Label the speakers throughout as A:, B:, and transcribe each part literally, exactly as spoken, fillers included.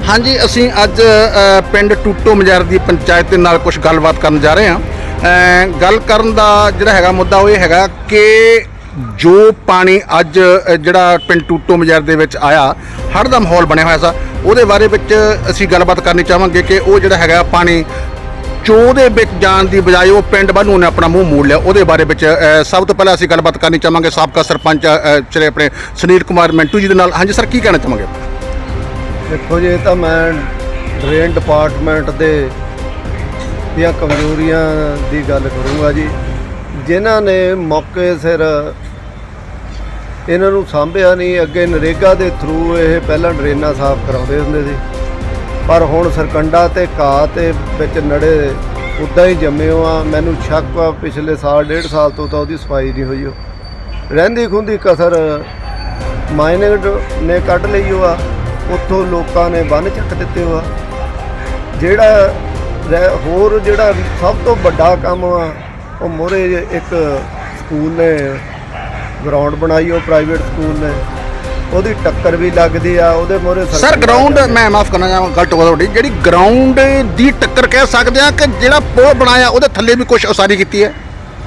A: हाँ जी, असी अज पिंड टूटो मजैर की पंचायत के नाल कुछ गलबात करन जा रहे हैं। गल करन दा जिहड़ा हैगा मुद्दा वो ये हैगा कि जो पानी अज जिहड़ा पिंड टूटो मजैर दे विच आया, हड़ दा माहौल बनया होया सा, उहदे बारे विच असी गलबात करनी चाहांगे कि वो जिहड़ा हैगा पानी चोह दे विच जाण दी बजाय वो पिंड ਵੱਲ ਉਹਨੇ अपना मूँह मोड़ लिया। ਉਹਦੇ ਬਾਰੇ ਵਿੱਚ ਸਭ ਤੋਂ ਪਹਿਲਾਂ ਅਸੀਂ ਗੱਲਬਾਤ ਕਰਨੀ ਚਾਹਾਂਗੇ ਸਾਬਕਾ ਸਰਪੰਚ ਜਿਹੜੇ ਆਪਣੇ ਸੁਨੀਲ ਕੁਮਾਰ ਮਿੰਟੂ ਜੀ ਦੇ ਨਾਲ। ਹਾਂਜੀ ਸਰ, ਕੀ ਕਹਿਣਾ ਚਾਹਾਂਗੇ?
B: देखो जी, तो मैं ड्रेन डिपार्टमेंट दे ਦੀਆਂ कमजोरियां की गल करूँगा जी, जिन्हां ने मौके सिर इन्हां नूं सांभिया नहीं। अगे नरेगा के थ्रू ये पहला ड्रेनां साफ कराउंदे हुंदे सी, पर हुण सरकंडा ते घाह ते विच नड़े उदां ही जम्मे हो आ। मैनूं शक आ पिछले साल डेढ़ साल तो तो उहदी सफाई नहीं हुई। रहिंदी खुंदी कसर माइनिंग ने कढ लई हो आ, ਉੱਥੋਂ ਲੋਕਾਂ ਨੇ ਬੰਨ੍ਹ ਚੱਕ ਦਿੱਤੇ ਹੋ। ਜਿਹੜਾ ਹੋਰ ਜਿਹੜਾ ਸਭ ਤੋਂ ਵੱਡਾ ਕੰਮ ਆ ਉਹ ਮੋਰੇ ਇੱਕ ਸਕੂਲ ਨੇ ਗਰਾਊਂਡ ਬਣਾਈ, ਉਹ ਪ੍ਰਾਈਵੇਟ ਸਕੂਲ ਨੇ, ਉਹਦੀ ਟੱਕਰ ਵੀ ਲੱਗਦੀ ਆ ਉਹਦੇ ਮੋਰੇ।
A: ਸਰ ਗਰਾਊਂਡ, ਮੈਂ ਮਾਫ ਕਰਨਾ ਚਾਹਾਂ ਗਲਤ ਹੋ ਤੁਹਾਡੀ, ਜਿਹੜੀ ਗਰਾਊਂਡ ਦੀ ਟੱਕਰ ਕਹਿ ਸਕਦੇ ਆ ਕਿ ਜਿਹੜਾ ਪੁਲ ਬਣਾਇਆ ਉਹਦੇ ਥੱਲੇ ਵੀ ਕੁਝ ਉਸਾਰੀ ਕੀਤੀ ਹੈ।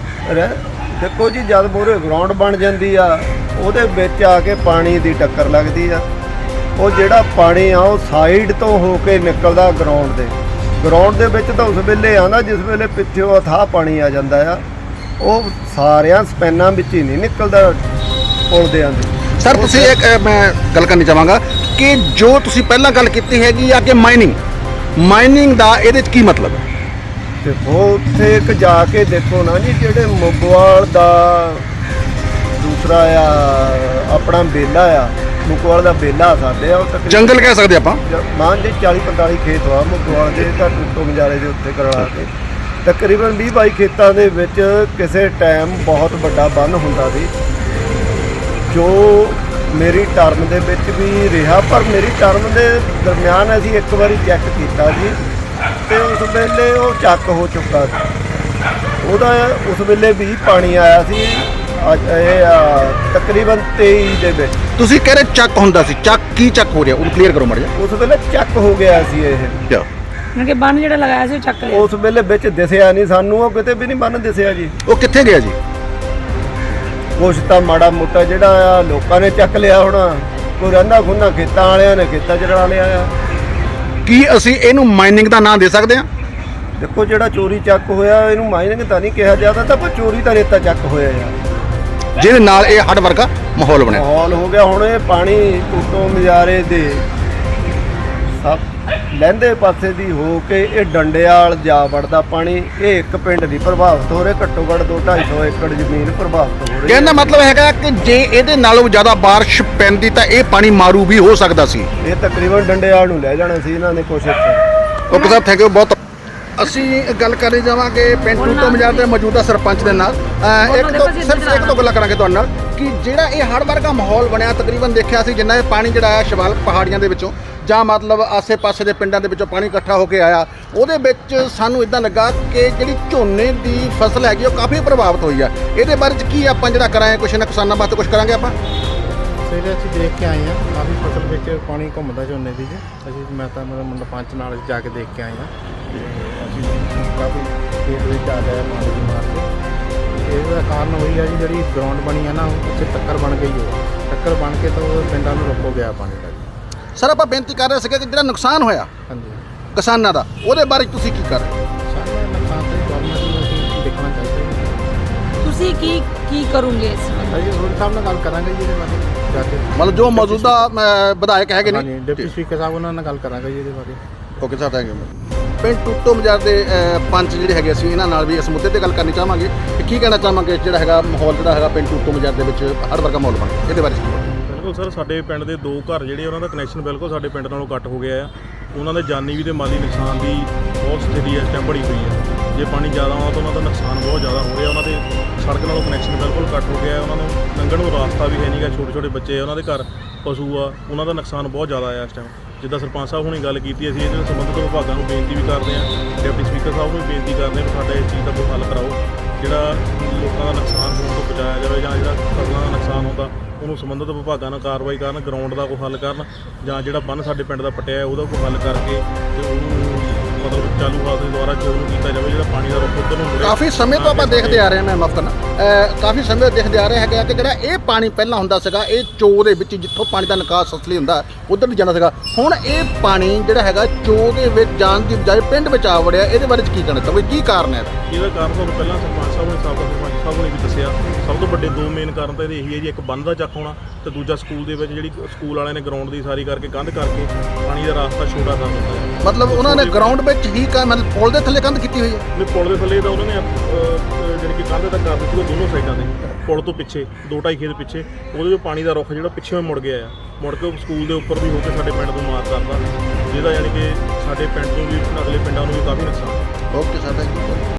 B: ਦੇਖੋ ਜੀ, ਜਦ ਮੋਰੇ ਗਰਾਊਂਡ ਬਣ ਜਾਂਦੀ ਆ ਉਹਦੇ ਵਿੱਚ ਆ ਕੇ ਪਾਣੀ ਦੀ ਟੱਕਰ ਲੱਗਦੀ ਆ। ਉਹ ਜਿਹੜਾ ਪਾਣੀ ਆ ਉਹ ਸਾਈਡ ਤੋਂ ਹੋ ਕੇ ਨਿਕਲਦਾ ਗਰਾਊਂਡ ਦੇ ਗਰਾਊਂਡ ਦੇ ਵਿੱਚ ਤਾਂ ਉਸ ਵੇਲੇ ਆਉਂਦਾ ਜਿਸ ਵੇਲੇ ਪਿੱਛੇ ਉਹ ਅਥਾਹ ਪਾਣੀ ਆ ਜਾਂਦਾ ਆ। ਉਹ ਸਾਰਿਆਂ ਸਪੈਨਾਂ ਵਿੱਚ ਹੀ ਨਹੀਂ ਨਿਕਲਦਾ ਪੁਲ ਦੇ ਆਂਦੇ।
A: ਸਰ ਤੁਸੀਂ ਇੱਕ ਮੈਂ ਗੱਲ ਕਰਨੀ ਚਾਹਾਂਗਾ ਕਿ ਜੋ ਤੁਸੀਂ ਪਹਿਲਾਂ ਗੱਲ ਕੀਤੀ ਹੈਗੀ ਆ ਕਿ ਮਾਈਨਿੰਗ ਮਾਈਨਿੰਗ ਦਾ ਇਹਦੇ 'ਚ ਕੀ ਮਤਲਬ ਹੈ?
B: ਦੇਖੋ ਉੱਥੇ ਇੱਕ ਜਾ ਕੇ ਦੇਖੋ ਨਾ ਜੀ, ਜਿਹੜੇ ਮੁਗਵਾਲ ਦਾ ਦੂਸਰਾ ਆ ਆਪਣਾ ਬੇਲਾ ਆ, ਮੁਗਵਾਲ ਦਾ ਬੇਲਾ ਸਾਡੇ ਆ, ਉਹ ਤੱਕ
A: ਜੰਗਲ ਕਹਿ ਸਕਦੇ ਆਪਾਂ।
B: ਮਾਨ ਜੀ ਚਾਲੀ ਪੰਤਾਲੀ ਖੇਤ ਆ ਮੁਗਵਾਲ ਦੇ, ਤਾਂ ਟੂਟੋ ਮਜਾਰੇ ਦੇ ਉੱਤੇ ਕਰਵਾ ਕੇ ਤਕਰੀਬਨ ਵੀਹ ਬਾਈ ਖੇਤਾਂ ਦੇ ਵਿੱਚ ਕਿਸੇ ਟਾਈਮ ਬਹੁਤ ਵੱਡਾ ਬੰਨ੍ਹ ਹੁੰਦਾ ਸੀ, ਜੋ ਮੇਰੀ ਟਰਮ ਦੇ ਵਿੱਚ ਵੀ ਰਿਹਾ। ਪਰ ਮੇਰੀ ਟਰਮ ਦੇ ਦਰਮਿਆਨ ਅਸੀਂ ਇੱਕ ਵਾਰੀ ਚੈੱਕ ਕੀਤਾ ਜੀ, ਤੇ ਉਸ ਵੇਲੇ ਉਹ ਚੱਕ ਹੋ ਚੁੱਕਾ ਸੀ। ਉਹਦਾ ਉਸ ਵੇਲੇ ਵੀ ਪਾਣੀ ਆਇਆ ਸੀ। ਅੱਜ ਇਹ ਤਕਰੀਬਨ ਤੇਈ ਦੇ ਵਿੱਚ
A: ਤੁਸੀਂ ਕਹਿ ਰਹੇ ਚੱਕ ਹੁੰਦਾ ਸੀ, ਚੱਕ ਕੀ ਚੱਕ ਹੋ ਰਿਹਾ ਉਹਨੂੰ ਕਲੀਅਰ ਕਰੋ ਮੜ ਜਾ।
B: ਉਸ ਵੇਲੇ ਚੱਕ ਹੋ ਗਿਆ ਸੀ ਇਹ,
C: ਕਿ ਬੰਨ ਜਿਹੜਾ ਲਗਾਇਆ ਸੀ ਚੱਕ ਲਿਆ।
B: ਉਸ ਵੇਲੇ ਵਿੱਚ ਦਿਸਿਆ ਨਹੀਂ ਸਾਨੂੰ, ਉਹ ਕਿਤੇ ਵੀ ਨਹੀਂ ਬੰਨ ਦਿਸਿਆ ਜੀ।
A: ਉਹ ਕਿੱਥੇ ਗਿਆ ਜੀ?
B: ਕੁਛ ਤਾਂ ਮਾੜਾ ਮੋਟਾ ਜਿਹੜਾ ਆ ਲੋਕਾਂ ਨੇ ਚੱਕ ਲਿਆ ਹੋਣਾ, ਕੋਈ ਰਹਿੰਦਾ ਖੁੰਨਾ ਖੇਤਾਂ ਵਾਲਿਆਂ ਨੇ ਖੇਤਾਂ 'ਚ ਰਲਾ ਲਿਆ ਆ।
A: ਕੀ ਅਸੀਂ ਇਹਨੂੰ ਮਾਈਨਿੰਗ ਦਾ ਨਾਂ ਦੇ ਸਕਦੇ ਹਾਂ?
B: ਦੇਖੋ ਜਿਹੜਾ ਚੋਰੀ ਚੱਕ ਹੋਇਆ ਇਹਨੂੰ ਮਾਈਨਿੰਗ ਤਾਂ ਨਹੀਂ ਕਿਹਾ ਜਾਂਦਾ, ਤਾਂ ਪਰ ਚੋਰੀ ਤਾਂ ਰੇਤਾ ਚੱਕ ਹੋਇਆ ਆ,
A: ਜਿਹਦੇ ਨਾਲ ਇਹ ਹੜ ਵਰਗਾ ਮਾਹੌਲ ਬਣਿਆ
B: ਮਾਹੌਲ ਹੋ ਗਿਆ। ਹੁਣ ਇਹ ਪਾਣੀ ਟੂਟੋ ਮਜਾਰੇ ਦੇ ਸਭ ਲਹਿੰਦੇ ਪਾਸੇ ਦੀ ਹੋ ਕੇ ਇਹ ਡੰਡਿਆਲ ਜਾ ਵੜਦਾ ਪਾਣੀ। ਇਹ ਇੱਕ ਪਿੰਡ ਨਹੀਂ ਪ੍ਰਭਾਵਿਤ ਹੋ ਰਿਹਾ, ਘੱਟੋ ਘੱਟ ਦੋ ਢਾਈ ਸੌ ਏਕੜ ਜ਼ਮੀਨ ਪ੍ਰਭਾਵਿਤ ਹੋ ਰਹੀ।
A: ਕਹਿਣ ਦਾ ਮਤਲਬ ਹੈਗਾ ਕਿ ਜੇ ਇਹਦੇ ਨਾਲੋਂ ਜ਼ਿਆਦਾ ਬਾਰਿਸ਼ ਪੈਂਦੀ ਤਾਂ ਇਹ ਪਾਣੀ ਮਾਰੂ ਵੀ ਹੋ ਸਕਦਾ ਸੀ।
B: ਇਹ ਤਕਰੀਬਨ ਡੰਡਿਆਲ ਨੂੰ ਲੈ ਜਾਣਾ ਸੀ ਇਹਨਾਂ ਨੇ ਕੋਸ਼ਿਸ਼।
A: ਓਕੇ ਸਾਹਿਬ, ਥੈਂਕ ਯੂ ਬਹੁਤ। ਅਸੀਂ ਗੱਲ ਕਰਨੀ ਜਾਵਾਂਗੇ ਪਿੰਡ ਟੂਟੋ ਮਜਾਰ ਦੇ ਮੌਜੂਦਾ ਸਰਪੰਚ ਦੇ ਨਾਲ। ਇੱਕ ਤੋਂ ਸਿਰਫ ਇੱਕ ਤੋਂ ਗੱਲਾਂ ਕਰਾਂਗੇ ਤੁਹਾਡੇ ਨਾਲ ਕਿ ਜਿਹੜਾ ਇਹ ਹੜ੍ਹ ਵਰਗਾ ਮਾਹੌਲ ਬਣਿਆ, ਤਕਰੀਬਨ ਦੇਖਿਆ ਸੀ ਜਿੰਨਾ ਇਹ ਪਾਣੀ ਜਿਹੜਾ ਆਇਆ ਸ਼ਿਵਾਲਿਕ ਪਹਾੜੀਆਂ ਦੇ ਵਿੱਚੋਂ ਜਾਂ ਮਤਲਬ ਆਸੇ-ਪਾਸੇ ਦੇ ਪਿੰਡਾਂ ਦੇ ਵਿੱਚੋਂ ਪਾਣੀ ਇਕੱਠਾ ਹੋ ਕੇ ਆਇਆ, ਉਹਦੇ ਵਿੱਚ ਸਾਨੂੰ ਇਦਾਂ ਲੱਗਾ ਕਿ ਜਿਹੜੀ ਝੋਨੇ ਦੀ ਫਸਲ ਹੈਗੀ ਉਹ ਕਾਫੀ ਪ੍ਰਭਾਵਿਤ ਹੋਈ ਆ। ਇਹਦੇ ਬਾਰੇ 'ਚ ਕੀ ਆਪਾਂ ਜਿਹੜਾ ਕਰਾਂਗੇ, ਕੁਛ ਨਾ ਕਿਸਾਨਾਂ ਵਾਸਤੇ ਕੁਛ ਕਰਾਂਗੇ ਆਪਾਂ?
D: ਸਵੇਰੇ ਅਸੀਂ ਦੇਖ ਕੇ ਆਏ ਹਾਂ, ਕਾਫੀ ਫਸਲ ਵਿੱਚ ਪਾਣੀ ਘੁੰਮਦਾ ਝੋਨੇ ਦੀ। ਅਸੀਂ ਮੈਂ ਤਾਂ ਮਤਲਬ ਮੁੰਡਾ ਪੰਚ ਨਾਲ ਜਾ ਕੇ ਦੇਖ ਕੇ ਆਏ ਹਾਂ। ਅਸੀਂ ਕਾਫੀ ਖੇਤ ਵਿੱਚ ਆ ਗਿਆ ਪਾਣੀ ਦੀ ਮਾਰ ਕੇ। ਇਹਦਾ ਕਾਰਨ ਉਹੀ ਆ ਜੀ, ਜਿਹੜੀ ਗਰਾਊਂਡ ਬਣੀ ਆ ਨਾ ਉੱਥੇ ਟੱਕਰ ਬਣ ਗਈ ਹੋ ਟੱਕਰ ਬਣ ਕੇ ਤਾਂ ਉਹ ਪਿੰਡਾਂ ਨੂੰ ਰੋਕੋ ਗਿਆ ਪਾਣੀ ਦਾ।
A: ਸਰ ਆਪਾਂ ਬੇਨਤੀ ਕਰ ਰਹੇ ਸੀਗੇ ਕਿ ਜਿਹੜਾ ਨੁਕਸਾਨ ਹੋਇਆ
D: ਹਾਂਜੀ
A: ਕਿਸਾਨਾਂ ਦਾ, ਉਹਦੇ ਬਾਰੇ ਤੁਸੀਂ ਕੀ ਕਰ ਰਹੇ?
D: ਸਾਨੂੰ ਨੁਕਸਾਨ ਤਾਂ ਗਵਰਨਮੈਂਟ ਨੂੰ ਅਸੀਂ ਦੇਖਣਾ ਚਾਹੀਦਾ।
C: ਤੁਸੀਂ ਕੀ ਕੀ ਕਰੋਗੇ ਇਸ ਬਾਰੇ?
D: ਅਸੀਂ ਰੋਡ ਸਾਹਿਬ ਨਾਲ ਗੱਲ ਕਰਾਂਗੇ ਜੀ ਇਹਦੇ ਬਾਰੇ ਜਾ ਕੇ।
A: ਮਤਲਬ ਜੋ ਮੌਜੂਦਾ ਵਿਧਾਇਕ ਹੈਗੇ ਨੇ,
D: ਹਾਂਜੀ ਡਿਪਟੀ ਸਪੀਕਰ ਸਾਹਿਬ ਉਹਨਾਂ ਨਾਲ ਗੱਲ ਕਰਾਂਗੇ ਜੀ ਇਹਦੇ ਬਾਰੇ।
A: Okay sir, thank you. ਪਿੰਡ ਟੂਟੋ ਮਜਾਰ ਦੇ ਪੰਚ ਜਿਹੜੇ ਹੈਗੇ ਅਸੀਂ ਇਹਨਾਂ ਨਾਲ ਵੀ ਇਸ ਮੁੱਦੇ ਤੇ ਗੱਲ ਕਰਨੀ ਚਾਹਾਂਗੇ ਕਿ ਕੀ ਕਹਿਣਾ ਚਾਹਾਂਗੇ ਜਿਹੜਾ ਹੈਗਾ ਮਾਹੌਲ ਜਿਹੜਾ ਹੈਗਾ ਪਿੰਡ ਟੂਟੋ ਮਜਾਰ ਦੇ ਵਿੱਚ ਹੜ ਵਰਗਾ ਮਾਹੌਲ ਬਣ ਇਹਦੇ ਬਾਰੇ?
E: ਬਿਲਕੁਲ ਸਰ, ਸਾਡੇ ਪਿੰਡ ਦੇ ਦੋ ਘਰ ਜਿਹੜੇ ਉਹਨਾਂ ਦਾ ਕਨੈਕਸ਼ਨ ਬਿਲਕੁਲ ਸਾਡੇ ਪਿੰਡ ਨਾਲੋਂ ਕੱਟ ਹੋ ਗਿਆ ਆ। ਉਹਨਾਂ ਦੇ ਜਾਨੀ ਵੀ ਤੇ ਮਾਲੀ ਨੁਕਸਾਨ ਦੀ ਬਹੁਤ ਸਥਿਤੀ ਇਸ ਟਾਈਮ ਬਣੀ ਹੋਈ ਹੈ। ਜੇ ਪਾਣੀ ਜ਼ਿਆਦਾ ਆਉਣਾ ਤਾਂ ਉਹਨਾਂ ਦਾ ਨੁਕਸਾਨ ਬਹੁਤ ਜ਼ਿਆਦਾ ਹੋ ਰਿਹਾ। ਉਹਨਾਂ ਦੇ ਸੜਕ ਨਾਲੋਂ ਕਨੈਕਸ਼ਨ ਬਿਲਕੁਲ ਕੱਟ ਹੋ ਗਿਆ। ਉਹਨਾਂ ਨੂੰ ਲੰਘਣ ਨੂੰ ਰਾਸਤਾ ਵੀ ਹੈ ਨਹੀਂ ਗਾ, ਛੋਟੇ ਛੋਟੇ ਬੱਚੇ ਉਹਨਾਂ ਦੇ ਘਰ, ਪਸ਼ੂ ਆ, ਉਹਨਾਂ ਦਾ ਨੁਕਸਾਨ ਬਹੁਤ ਜ਼ਿਆਦਾ ਆ ਇਸ ਟਾਈਮ। ਜਿੱਦਾਂ ਸਰਪੰਚ ਸਾਹਿਬ ਹੁਣੀ ਗੱਲ ਕੀਤੀ, ਅਸੀਂ ਇਹਦੇ ਸੰਬੰਧਿਤ ਵਿਭਾਗਾਂ ਨੂੰ ਬੇਨਤੀ ਵੀ ਕਰਦੇ ਹਾਂ, ਡਿਪਟੀ ਸਪੀਕਰ ਸਾਹਿਬ ਨੂੰ ਵੀ ਬੇਨਤੀ ਕਰਦੇ ਹਾਂ ਕਿ ਸਾਡਾ ਇਸ ਚੀਜ਼ ਦਾ ਕੋਈ ਹੱਲ ਕਰਾਓ। ਜਿਹੜਾ ਲੋਕਾਂ ਦਾ ਨੁਕਸਾਨ ਹੋਣ ਤੋਂ ਬਚਾਇਆ ਜਾਵੇ ਜਾਂ ਜਿਹੜਾ ਫਸਲਾਂ ਦਾ ਨੁਕਸਾਨ ਹੁੰਦਾ ਉਹਨੂੰ ਸੰਬੰਧਿਤ ਵਿਭਾਗਾਂ ਨਾਲ ਕਾਰਵਾਈ ਕਰਨ, ਗਰਾਊਂਡ ਦਾ ਕੋਈ ਹੱਲ ਕਰਨ ਜਾਂ ਜਿਹੜਾ ਬੰਨ੍ਹ ਸਾਡੇ ਪਿੰਡ ਦਾ ਪੱਟਿਆ ਉਹਦਾ ਕੋਈ ਹੱਲ ਕਰਕੇ ਤੇ ਉਹਨੂੰ ਮਤਲਬ ਚਾਲੂ ਹਾਲਤ ਦੇ ਦੁਆਰਾ ਚੋਣ ਕੀਤਾ ਜਾਵੇ, ਜਿਹੜਾ ਪਾਣੀ ਦਾ ਰੁੱਖ ਉੱਧਰ ਨੂੰ ਮੁੜੇ।
A: ਕਾਫੀ ਸਮੇਂ ਤੋਂ ਆਪਾਂ ਦੇਖਦੇ ਆ ਰਹੇ ਹਾਂ, ਮੈਂ ਮਾਫ ਕਰਨਾ ਅਹ ਕਾਫੀ ਸਮੇਂ ਤੋਂ ਦੇਖਦੇ ਆ ਰਹੇ ਹੈਗੇ ਆ ਕਿ ਜਿਹੜਾ ਇਹ ਪਾਣੀ ਪਹਿਲਾਂ ਹੁੰਦਾ ਸੀਗਾ ਇਹ ਚੋ ਦੇ ਵਿੱਚ ਜਿੱਥੋਂ ਪਾਣੀ ਦਾ ਨਿਕਾਸ ਅਸਲੀ ਹੁੰਦਾ ਉੱਧਰ ਨੂੰ ਜਾਂਦਾ ਸੀਗਾ, ਹੁਣ ਇਹ ਪਾਣੀ ਜਿਹੜਾ ਹੈਗਾ ਚੋ ਦੇ ਵਿੱਚ ਜਾਣ ਦੀ ਬਜਾਏ ਪਿੰਡ ਵਿੱਚ ਆ ਵੜਿਆ, ਇਹਦੇ ਬਾਰੇ 'ਚ ਕੀ ਕਹਿਣਾ ਚਾਹੋਗੇ, ਕੀ ਕਾਰਨ ਹੈ ਇਹਦਾ?
E: ਇਹਦਾ ਕਾਰਨ ਤੁਹਾਨੂੰ ਪਹਿਲਾਂ ਸਰਪੰਚ ਸਾਹਿਬ ਨੇ ਸਾਬਕਾ ਸਰਪੰਚ ਸਾਹਿਬ ਨੇ ਵੀ ਦੱਸਿਆ। ਸਭ ਤੋਂ ਵੱਡੇ ਦੋ ਮੇਨ ਕਾਰਨ ਤਾਂ ਇਹਦੇ ਇਹੀ ਹੈ ਜੀ, ਇੱਕ ਬੰਨ੍ਹ ਦਾ ਚੱਕ ਹੋਣਾ ਤੇ ਦੂਜਾ ਸਕੂਲ ਦੇ ਵਿੱਚ ਜਿਹੜੀ ਸਕੂਲ ਵਾਲਿਆਂ ਨੇ ਗਰਾਊਂਡ ਦੀ ਸਾਰੀ ਕਰਕੇ ਕੰਧ ਕਰਕੇ ਪਾਣੀ ਦਾ ਰਾਸਤਾ ਛੋਟਾ ਕਰ ਦਿੱਤਾ ਹੈ।
A: ਮਤਲਬ ਉਹਨਾਂ ਨੇ ਗਰਾਊਂਡ ਵਿੱਚ ਹੀ ਕਾ ਮਤਲਬ ਪੁਲ ਦੇ ਥੱਲੇ ਕੰਧ ਕੀਤੀ ਹੋਈ ਹੈ?
E: ਨੇ ਪੁਲ ਦੇ ਥੱਲੇ ਤਾਂ ਉਹਨਾਂ ਨੇ ਅਹ, ਜਿਹੜੀ ਕਿ ਕੰਧ ਤੱਕ ਕਰ ਦਿੱਤੀ ਉਹ ਦੋਨੋਂ ਸਾਈਡਾਂ ਤੇ, ਪੁਲ ਤੋਂ ਪਿੱਛੇ ਦੋ ਢਾਈ ਖੇਤ ਪਿੱਛੇ ਉਹਦੇ 'ਚੋਂ ਪਾਣੀ ਦਾ ਰੁੱਖ ਜਿਹੜਾ ਪਿੱਛੇ ਮੁੜ ਗਿਆ ਆ, ਮੁੜ ਕੇ ਉਹ ਸਕੂਲ ਦੇ ਉੱਪਰ ਵੀ ਹੋ ਕੇ ਸਾਡੇ ਪਿੰਡ ਨੂੰ ਮਾਰ ਕਰਦਾ, ਜਿਹਦਾ ਯਾਨੀ ਕਿ ਸਾਡੇ ਪਿੰਡ ਨੂੰ ਵੀ ਅਗਲੇ ਪਿੰਡਾਂ ਨੂੰ ਵੀ ਕਾਫੀ ਨੁਕਸਾਨ।
A: Okay sir, thank you.